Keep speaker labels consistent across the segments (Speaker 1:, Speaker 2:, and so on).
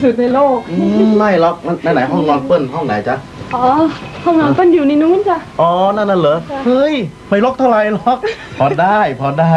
Speaker 1: สุดในโลก
Speaker 2: ไม่หรอกไหนห้องนอนเปิ้ลห้องไหนจ๊ะ
Speaker 1: อ๋อห้องนอนเปิ้ลอยู่ในนู้นจ้ะ
Speaker 2: อ๋อนั่นน่ะเหรอเฮ้ยไม่ล็อกเท่าไหร่ล็อกพอได้
Speaker 1: พอได้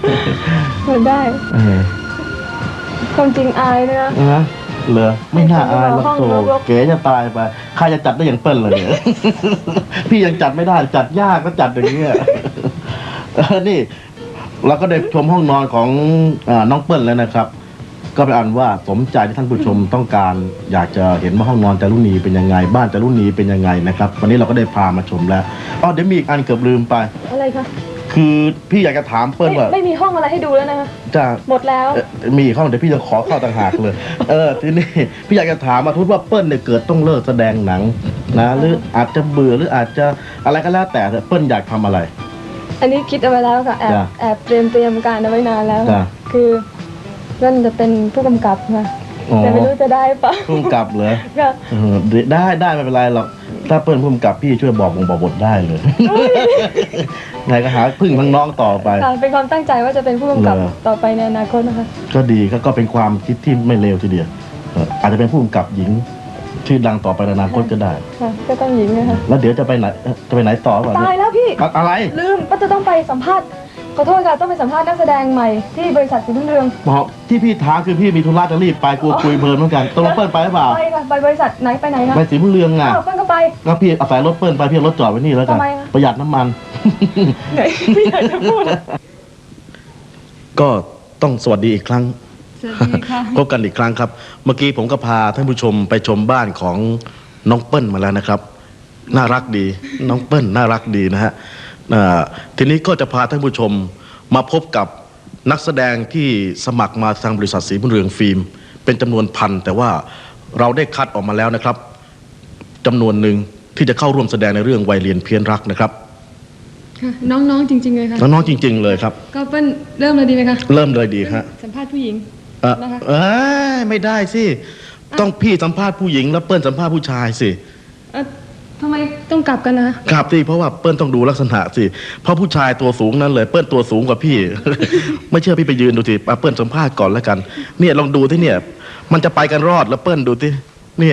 Speaker 1: ความจริงอายเลย
Speaker 2: นะเหรอไม่น่าอายหรอกโถเก๋จะตายไปใครจะจัดได้อย่างเปิ้ลเลยเนี่ยพี่ยังจัดไม่ได้จัดยากก็จัดอย่างเงี้ยนี่เราก็ได้ชมห้องนอนของน้องเปิ้ลแล้วนะครับก็เป็นอันว่าสมใจที่ท่านผู้ชมต้องการอยากจะเห็นว่าห้องนอนจารุณีเป็นยังไงบ้านจารุณีเป็นยังไงนะครับวันนี้เราก็ได้พามาชมแล้วอ๋อเดี๋ยวมีอีกอันเกือบลืมไป
Speaker 1: อะไรคะ
Speaker 2: คือพี่อยากจะถามเปิ้ลว่า
Speaker 1: ไม่มีห้องอะไรให้ดูแล้วนะคะ
Speaker 2: จะ
Speaker 1: หมดแล้ว
Speaker 2: มีห้องเดี๋ยวพี่จะขอเข้าต่างหากเลยทีนี้พี่อยากจะถามมาทุกว่าเปิ้ลเนี่ยเกิดต้องเลิกแสดงหนังนะหรืออาจจะเบื่อหรืออาจจะอะไรก็แล้วแต่เปิ้ลอยากทำอะไร
Speaker 1: อันนี้คิดเอาไว้แล้วค่ะแอบเตรียมการเอาไว้นานแล้วคือนั่นจะเป็นผู้กำกับนะแต่ไม่รู้จะได้ปะ
Speaker 2: ผู้กำกับเหรอได้ไม่เป็นไรหรอกถ้าเปิ้ลผู้กำกับพี่ช่วยบอกบทได้เลยไงก็หาพึ่งทั้งน้องต่อไป
Speaker 1: เป็นความตั้งใจว่าจะเป็นผู้กำกับต่อไปในอนาคตนะคะ
Speaker 2: ก็ดีก็เป็นความคิดที่ไม่เลวทีเดียวอาจจะเป็นผู้กำกับหญิงชื่อดังต่อไปในอนาคตก็ได้
Speaker 1: ก็ต้องหญิงนะคะ
Speaker 2: แล้วเดี๋ยวจะไปไหนต่อ
Speaker 1: ตายแล้วพี่
Speaker 2: อะไร
Speaker 1: ลืมก็จะต้องไปสัมภาษณ์ขอโทษค่ะต้องไปสัมภาษณ์นักแสดงใหม่ที่บริษัทสีรุ่งเรือง
Speaker 2: บอกที่พี่ท้าคือพี่มีธุระจะรีบไปกลัวคุยเพลินเหมือนกันต้องรถเปิ้ลไปหรือเปล่า
Speaker 1: ไปค่ะไปบริษัทไหนไปไหนคะ
Speaker 2: ไปสีรุ่งเรืองไง
Speaker 1: เปิ้ลก็ไป
Speaker 2: ก็พี่อาศัยรถเปิ้ลไปพี่รถจอดไว้นี่แล้วกันประหยัดน้ำมัน
Speaker 1: ไหนพี่อยากจะพูด
Speaker 2: ก็ต้องสวัสดีอีกครั้ง
Speaker 1: สวัสดีค่ะ
Speaker 2: พบกันอีกครั้งครับเมื่อกี้ผมก็พาท่านผู้ชมไปชมบ้านของน้องเปิ้ลมาแล้วนะครับน่ารักดีน้องเปิ้ลน่ารักดีนะฮะทีนี้ก็จะพาท่านผู้ชมมาพบกับนักแสดงที่สมัครมาทางบริษัทสีบุญเรืองฟิล์มเป็นจำนวนพันแต่ว่าเราได้คัดออกมาแล้วนะครับจำนวนหนึ่งที่จะเข้าร่วมแสดงในเรื่องวัยเรียนเพี้ยนรักนะครับ
Speaker 1: น้องๆจริงๆเลยค่ะ
Speaker 2: น้องๆจริงๆเลยครับ
Speaker 1: ก็เปิ้ลเริ่มเลยดีไหมคะ
Speaker 2: เริ่มเลยดีครับ
Speaker 1: สัมภาษณ์ผู้หญิง
Speaker 2: นะคะไม่ได้สิต้องพี่สัมภาษณ์ผู้หญิงแล้วเปิ้ลสัมภาษณ์ผู้ชายสิ
Speaker 1: ทำไมต้องกลับกันนะ
Speaker 2: กลับสิเพราะว่าเปิ้ลต้องดูลักษณะสิเพราะผู้ชายตัวสูงนั้นเลยเปิ้ลตัวสูงกว่าพี่ ไม่เชื่อพี่ไปยืนดูสิเปิ้ลสัมภาษณ์ก่อนแล้วกันเนี่ยลองดูที่เนี่ยมันจะไปกันรอดแล้วเปิ้ลดูที่เนี่ย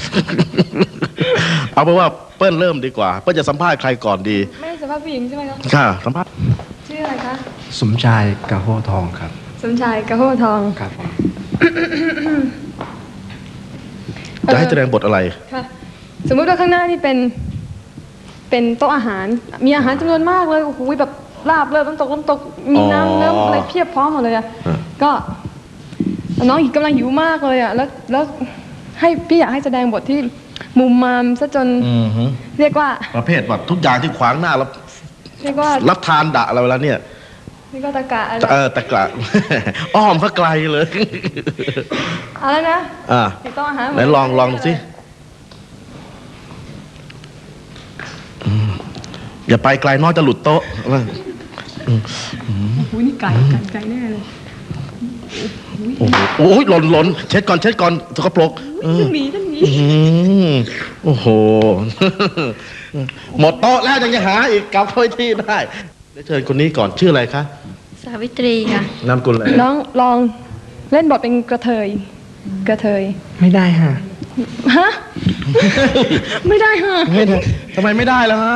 Speaker 2: เอาเป็นว่าเปิ้ลเริ่มดีกว่าเปิ้ลจะสัมภาษณ์ใครก่อนดี
Speaker 1: ไม่สัมภาษณ์ผู้หญิงใช่ไหมครับ
Speaker 2: ค่ะสัมภาษณ์
Speaker 1: ชื่ออะไรคะ
Speaker 3: สมชายกะโฮทองครับ
Speaker 1: สมชายกะโฮทอง
Speaker 3: ครับผม
Speaker 2: จะให้แสดงบทอะไร
Speaker 1: ค่ะสมมุติว่าข้างหน้านี่เป็นโต๊ะอาหารมีอาหารจำนวนมากเลยโอ้โหแบบลาบเลยน้ำตกมีน้ำอะไรเพียบพร้อมหมดเลยอ่ะก็น้องกำลังหิวมากเลยอ่ะแล้วให้พี่อยากให้แสดงบทที่มุมมามซะจนเรียกว่า
Speaker 2: ประเภทแบบทุกอย่างที่ขวางหน้าแล้ว
Speaker 1: เรียกว่า
Speaker 2: รับทานดะอะไรแล้วเนี่ย
Speaker 1: นี่ก็ตะกะ
Speaker 2: ตะกะอ้อมก็ไกลเลย
Speaker 1: อะไรนะโต๊ะอาหาร
Speaker 2: ไหนลองดูสิอย่าไปไกลนอกจะหลุดโต๊ะ
Speaker 1: โอ้โหนี่ไก่แน่เลย
Speaker 2: โอ้ยหล่นเช็ดก่อนสกปรก
Speaker 1: ท่านหมี
Speaker 2: โอ้โหหมดโต๊ะแล้วยังจะหาอีกกลับไปที่ได้เดี๋ยวเชิญคนนี้ก่อนชื่ออะไรคะ
Speaker 4: สาวิตรีค่ะ
Speaker 2: นามกุลอะไร
Speaker 1: น้องลองเล่นบทเป็นกระเทย
Speaker 3: ไม่ได้ฮะ
Speaker 1: ไม่ได้ฮะ
Speaker 2: ทำไมไม่ได้ล่ะฮะ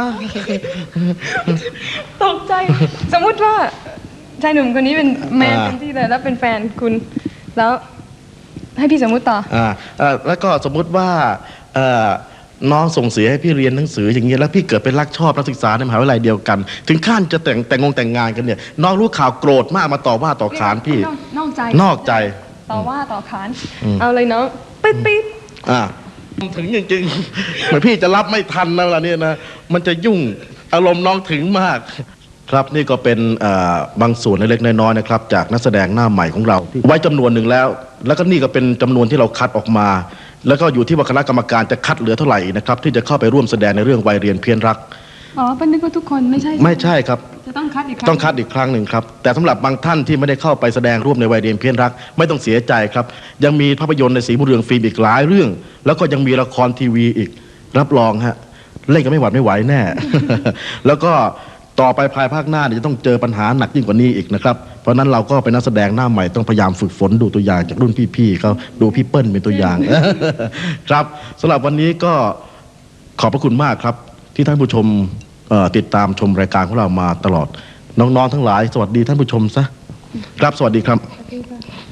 Speaker 1: ตกใจสมมุติว่าชายหนุ่มคนนี้เป็นแมนเต็มที่เลยแล้วเป็นแฟนคุณแล้วให้พี่สมมุติต่อ
Speaker 2: แล้วก็สมมุติว่าน้องส่งเสียให้พี่เรียนหนังสืออย่างเงี้ยแล้วพี่เกิดเป็นรักชอบนักศึกษาในมหาวิทยาลัยเดียวกันถึงขั้นจะแต่งงานกันเนี่ยน้องรู้ข่าวโกรธมากมาต่อว่าต่อขานพี่
Speaker 1: นอกใจต่อว่าต่อขานเอาเลยน้องปิ๊ด
Speaker 2: ถึงจริงๆเหมือนพี่จะรับไม่ทันนะเวลานี้นะมันจะยุ่งอารมณ์น้องถึงมากครับนี่ก็เป็นบางส่วนเล็กๆน้อยๆนะครับจากนักแสดงหน้าใหม่ของเราไว้จำนวนหนึ่งแล้วก็นี่ก็เป็นจำนวนที่เราคัดออกมาแล้วก็อยู่ที่ว่าคณะกรรมการจะคัดเหลือเท่าไหร่นะครับที่จะเข้าไปร่วมแสดงในเรื่องวัยเรียนเพี้ยนรัก
Speaker 1: เป็นนึกว่าทุกคนไม่
Speaker 2: ใช่ครับ
Speaker 1: จะต้องคัดอีก
Speaker 2: ครั้งหนึ่งครับแต่สำหรับบางท่านที่ไม่ได้เข้าไปแสดงร่วมในวัยเรียนเพี้ยนรักไม่ต้องเสียใจครับยังมีภาพยนตร์ในสีบุญเรืองฟิล์มอีกหลายเรื่องแล้วก็ยังมีละครทีวีอีกรับรองฮะเล่นกันไม่หวัดไม่ไหวแน่ แล้วก็ต่อไปภายภาคหน้าจะต้องเจอปัญหาหนักยิ่งกว่านี้อีกนะครับเพราะนั้นเราก็เป็นนักแสดงหน้าใหม่ต้องพยายามฝึกฝนดูตัวอย่างจากรุ่นพี่ๆเขาดูพี่เปิ้ลเป็นตัวอย่าง ครับสำหรับวันนี้ก็ขอบพระคุณมากครับที่ท่านผู้ชมติดตามชมรายการของเรามาตลอดน้องๆทั้งหลายสวัสดีท่านผู้ชมซะครับสวัสดีครับ